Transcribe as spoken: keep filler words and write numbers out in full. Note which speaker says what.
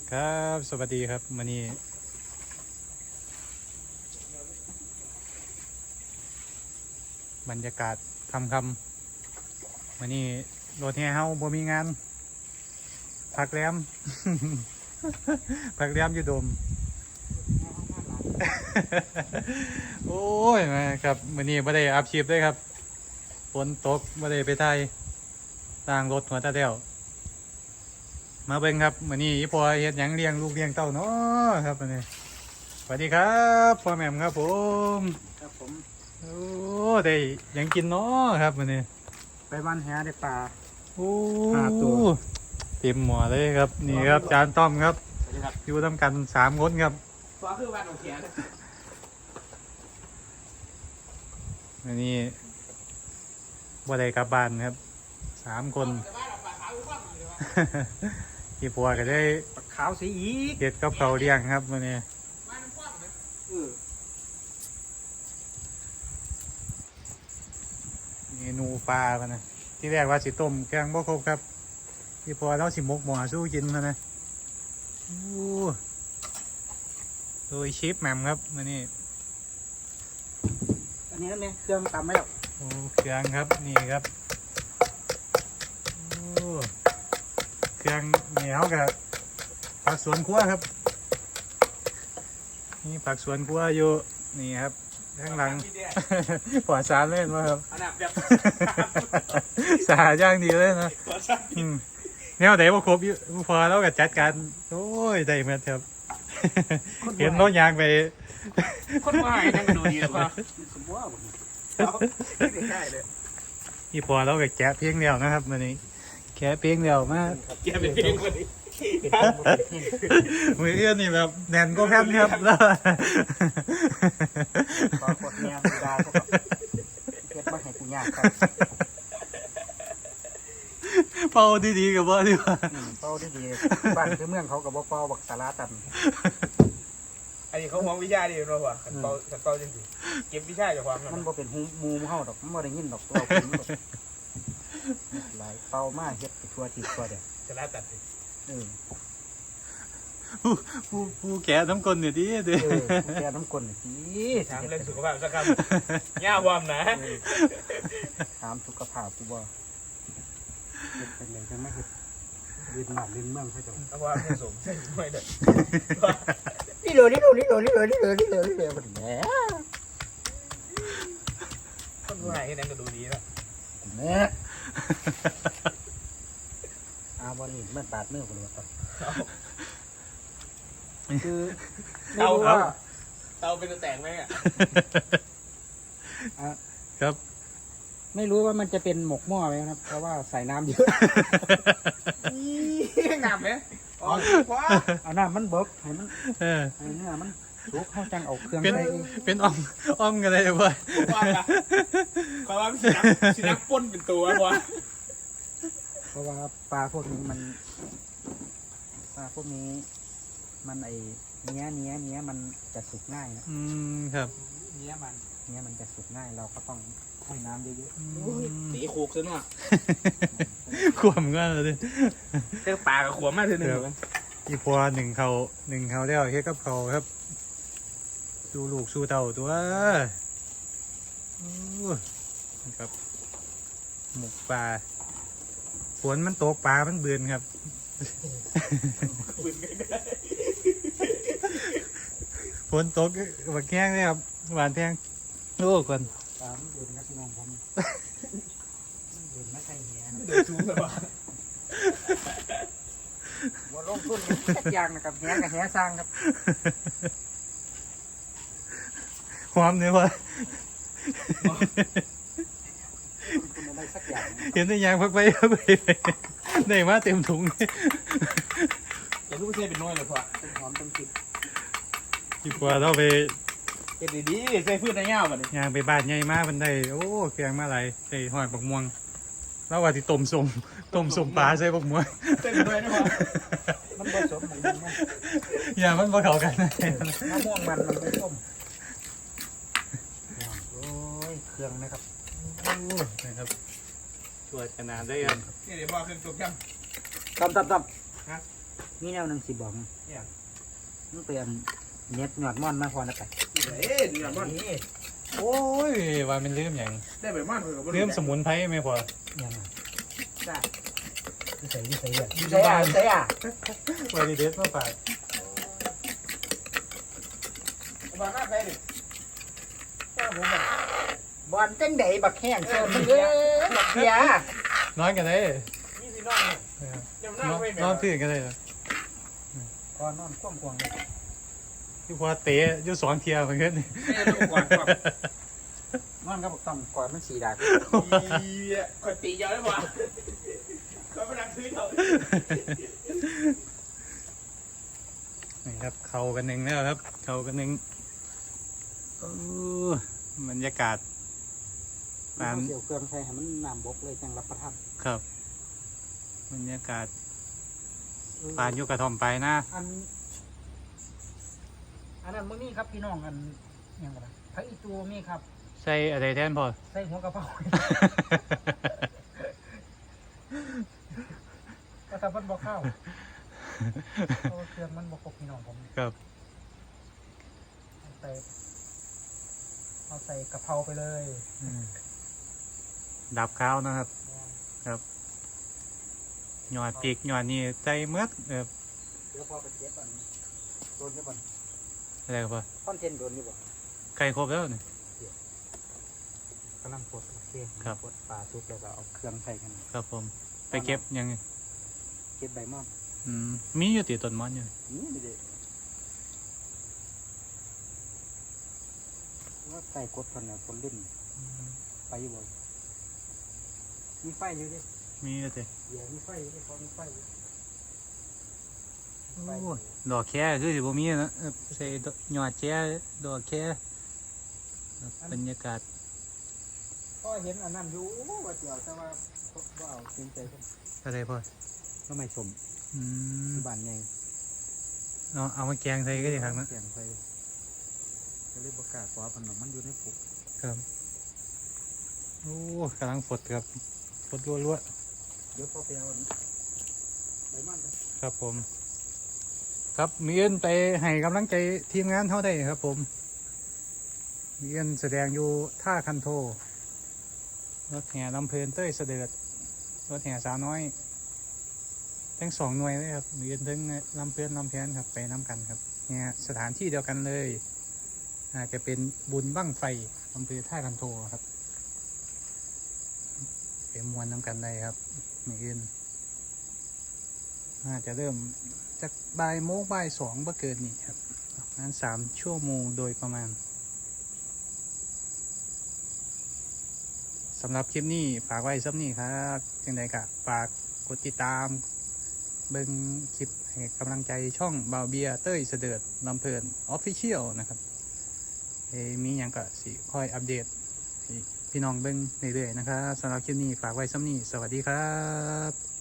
Speaker 1: ครับสวัสดีครับวันนี้บรรยากาศคำคำวันนี้รถแห่เฮาบ่มีงานพักแรม พักแรมอยู่โดม โอ้ยมาครับวันนี้ไม่ได้อัพชีพเลยครับฝนตกไม่ได้ไปไทยต่างรถหัวตาเดียวมาเบิ่งครับวันนี้พ่อเฮ็ดหยังเลี้ยงลูกเลี้ยงเต้าเนาะครับวันนี้สวัสดีครับพ่อแม่มครับผม
Speaker 2: ครับผม
Speaker 1: โอ้ได้หยังกินเนาะครับวันนี้
Speaker 2: ไปบ้านแหได้ปลา
Speaker 1: โอ้
Speaker 2: ห้าตัว
Speaker 1: เต็มหม้อเลยครับนี่ครับจานต้อมครับอยู่ทำกันสามคนครับ
Speaker 2: ฟ้าคือบ้านของเขียน
Speaker 1: อันนี้บ่ได้กลับบ้านครับสามคนที่พัวก็ได้
Speaker 2: ขาวสีอีก
Speaker 1: เก็ดกับเขาเลี้ยงครับวันนี้เมนูปลากันนะที่แรกว่าสิต้มแกงบ่ครบครับที่พัวเราสิมกหม้อสู้กินมานะโอ้โดยชิปแหม่มครับวันนี้
Speaker 2: อันนี้นั่นเองเครื่องตำไม่หรอก
Speaker 1: โอ้เครื่องครับนี่ครับโอ้เครื่องนี่เขากับผักสวนครัวครับนี่ผักสวนครัวอยู่นี่ครับข้างหลังปลอดสารเล่นมาครับสาย่างดีเลยนะเนี่ยเดี๋ยวพอครบพอแล้วก็จัดการโอ้ยได้มาครับเห็นรถยางไป
Speaker 2: คนว่าให้นั่งดูดีเลยว่าสมว่าหมดไม่ได้เลย
Speaker 1: พี่พอแล้วก็แกะเพียงเดียวนะครับวันนี้แกะเพียงเดียวมาก
Speaker 2: แกะเป็นเพียงวันนี้
Speaker 1: มือเอื้อนนี่แบบแน่นก็แพบครับแล้ว
Speaker 2: ขอกดเมียไม่ได้ก็แบบเก็บมาให้กูยากครับ
Speaker 1: เป่าดีๆกับว่าดีกว่า
Speaker 2: เป่าดีๆบ้านคือเมืองเขากับเป่าบักตาลาตันอันนี้เขามองวิชาดีเนาะว่ะขันเป่าขันเป่าจริงๆเก็บวิชาจากความมันบ่เป็นหูมูมเข้าดอกมันบ่ได้ยินดอกเราเป็นดอกหลายเป่ามากเฮ็ดทัวร์จีบทัวร์เดียวตาลาตันเออ
Speaker 1: ผู้ผู้ผู้แก่น้ำกลนเนี่ยดีเด้อ
Speaker 2: ผู้แก่น้ำกลนเนี่ยดี
Speaker 3: ถามเรื่องสุขภาพสักคำย่าวอมนะ
Speaker 2: ถามสุขภาพกูบ่เป็นยังไงกันไม่เห็นยืนหนักยืนเมืองเขาจะ
Speaker 3: เพราะว่าไม่สมใช่ไม่ได้
Speaker 2: นี่เลยนี่เลยนี่เลยนี่เลยนี่เลยนี่เลยนี่เลยมันแหม
Speaker 3: คนดูหายแค่นั้นก็ดูดีแล้ว
Speaker 2: แหมอาวันนี้มันบาดเนื้อคนละตัวคือ
Speaker 3: เตาครับเตาเป็นแตกไหมอ่ะ
Speaker 1: ครับ
Speaker 2: ไม่รู้ว่ามันจะเป็นหมกหม้อไหมครับเพราะว่าใส่น้ำเยอะ
Speaker 3: น้ำไหมอ๋อ
Speaker 2: เอาน้ำมันเบิกให้มันให้เนื้อมันสุกเข้าจังเอาเครื่อง
Speaker 1: ใส่เป็นอ้อมอ้อมกันเลยเว้ย
Speaker 3: เพราะว่าสีนักสีนักป้นเป็นตัววะ
Speaker 2: เพราะว่าปลาพวกนี้มันปลาพวกนี้มันไอเนี้ยเนี้ยเนี้ยมันจะสุกง่ายนะ
Speaker 1: อืมครับ
Speaker 2: เนี้ยมันเนี้ยมันจะสุกง่ายเราก็ต้องให้น้ำเยอะ
Speaker 3: ๆตีโคกซะหน่อย
Speaker 1: ขวมกันเลย
Speaker 3: เจ้าปลากับขวมมากเลยหนึ่ง
Speaker 1: อีพัวหนึ่งเขาหนึ่งเขาแล้วเฮ็ดกับเขาครับดูลูกสู้เต่าตัวครับหมกปลาฝนมันตกปลามันเบือนครับฝนตกบักแข้งเลยครับหวานแทงโอ้ก่อน
Speaker 2: ปลามันเบือนครับพี่น้องผมเบือนไม่ใช่เหี้ย
Speaker 3: เดือดชุ่มเลยว่ะ
Speaker 2: ว่าลงทุนแค่ยางนะครับเหี้ยกับเหี้ยสร้างครับ
Speaker 1: ความเนี่ยวะเห็นได้ยางพักไปพักไปได้มาเต็มถุง
Speaker 3: แต่ลูกเซ่เป็นน้อยเลยพ่อ
Speaker 2: เป็นหอมเป็นกลิ่น
Speaker 1: ดีกว่าเราไป
Speaker 3: เก็บดีๆใส่พืชในเงาแบบนี้
Speaker 1: ยางไปบ้านใหญ่มากมันได้โอ้เกลียงมาไหลใส่หอยบักม่วงแล้วว่าที่ต้มส้มต้มส้มปลาใส่บักม่วง
Speaker 3: เต็มด้วยนะพ่อ
Speaker 2: มันผสมเหมือนกัน
Speaker 1: อย่ามันมาเข้ากัน
Speaker 2: มะม่วงมันมันไม่ต้มโอ้ยเครื่องนะครับ
Speaker 1: โอ้นะครับตัวขนาดได้ครับ
Speaker 3: นี่เดี๋ยวพ่อเครื่องจุกยัง
Speaker 2: ตำตำตำมีแนวหนึงสิบอกมึง
Speaker 3: เนี่ย
Speaker 2: มึงเปลี่ยนเน็ตหยอดม่อนมาพอนะไป
Speaker 3: เอ๊ะเดี๋ยวมัน
Speaker 2: นี่
Speaker 1: โอ้ยว่ามันลืมอย่าง
Speaker 3: ได้ไปมากเลยกับ
Speaker 1: ลืมสมุนไพรไหมพอ
Speaker 2: ยังไง
Speaker 3: ได้
Speaker 2: ใส่ที่ใส่เลยใส่อ่ะใส่อ่ะ
Speaker 1: วาริเดสมาฝาก
Speaker 3: บ้านหน้าใครดิบ้านผมแบบ
Speaker 2: บอลจังไดบักแห้งเชิญมึงเอ้ยบักเบียร์
Speaker 1: นอนกันได้
Speaker 3: นี่สิน้องเนี่ยเดี๋ยวหน้าน
Speaker 1: อน
Speaker 3: ไป
Speaker 1: นอนพื้นกันได้เหรอ
Speaker 2: ก่อนนอนคว่ำควงเลย
Speaker 1: ที่พอเตะอยู่สองเทียเหมือนกัน
Speaker 3: เอ๊ะลูกก่อนก่อน
Speaker 2: นอนกับบักต้อมก่อนมันสีดาก
Speaker 3: อีคนตีเยอะได้ป่ะเขาไปนั่งซื้อเขา
Speaker 1: นี่ครับเข้ากันหนึ่งแล้วครับ เข้ากันหนึ่งโอ้บรรยากาศ
Speaker 2: ปานเกี่ยวเครื่องใส่ให้มันน้ำบกเลยจังรับประทาน
Speaker 1: ครับบรรยากาศปานอยุกกระท่อมไปนะ
Speaker 2: อันอันนั้นมึงนี่ครับพี่น้องอันยังไงพระอีตัวมีครับ
Speaker 1: ใส่อะไรแทนพอ
Speaker 2: ใส่หัวกระเพราก็ทำมันบอกข้าวเพราะว่าเครื่องมันบอกครบพี่น้องผม
Speaker 1: ครับ
Speaker 2: เอาใส่เอาใส่กะเพราไปเลย
Speaker 1: อืมดับข้าวนะครับหยอดปีกหยอดนี่ใจเมือดเออ
Speaker 2: เดี๋ยวพอไปเก็บอันโดนยี่บ่น
Speaker 1: อะไรครับพอ
Speaker 2: คอนเทนต์โดนยี่บ่
Speaker 1: ไก่ครบแล้วนี่
Speaker 2: กำลังปลดโอเค
Speaker 1: ครับ
Speaker 2: ปลดปลาซุปแล้วก็เอาเครื่องใส่กัน
Speaker 1: ครับผมไปเก็บยังไง
Speaker 2: เก็บใบมอน
Speaker 1: อืมมีอยู่ติต้นมอนอยู่
Speaker 2: นี่ไม่ได้ว่าใส่กดคนเนี่ยคนรุ่นไปอยู่บ่มีไฟอยู่ดิ
Speaker 1: มีอยู่ติ
Speaker 2: เดี๋ยวมีไฟอยู่ดิพอมีไฟอยู่
Speaker 1: โอ้ยดอกแค่คือสิบ่มีนะเออใส่ดอกหยอดแค่ดอกแค่บรรยากาศ
Speaker 2: ก็เห็นอันนั้นอยู่ว่าเดี๋ยวแต่ว่าก็เอาจริงใจกัน
Speaker 1: อะไรพ่อ
Speaker 2: ก็ไม่ชม
Speaker 1: อืม
Speaker 2: บ้านใหญ่
Speaker 1: เอาเอามาแกงใส่ก็ดีครับนะ
Speaker 2: เสียงไฟจะเรียกประกาศว่าขนมมันอยู่ในปุก
Speaker 1: ครับโอ้กำลังฝดครับฝดรัว
Speaker 2: เดี๋ยวพอไปเอาใบมัน
Speaker 1: ๆครับผม ครับมีเอินไปให้กำลังใจทีมงานเท่าได้ครับ ผมมีเอินแสดงอยู่ท่าคันโทรถแห่ลำเพลินเต้ยเสด็จรถแห่สาวน้อย ทั้งสองหน่วยเลยครับมีเอินทั้งลำเพลินลำแพนครับไปน้ำกันครับเนี่ยสถานที่เดียวกันเลยอาจจะเป็นบุญบั้งไฟอำเภอท่าคันโทครับเป็นมวลน้ำกันได้ครับมีเอินน่าจะเริ่มจากบ่ายโมงบ่ายสองบ่เกินนี่ครับนั้นสามชั่วโมงโดยประมาณสำหรับคลิปนี้ฝากไว้ซ้ำนี่ครับจังใดกะฝากกดติดตามเบิ่งคลิปให้กำลังใจช่องบาวเบียเต้ยเสดิร์ดลำเพลินออฟฟิเชียลนะครับเอ้มีอย่างก็สิคอยอัปเดตให้พี่น้องเบิ่งเรื่อยๆนะครับสำหรับคลิปนี้ฝากไว้ซ้ำนี่สวัสดีครับ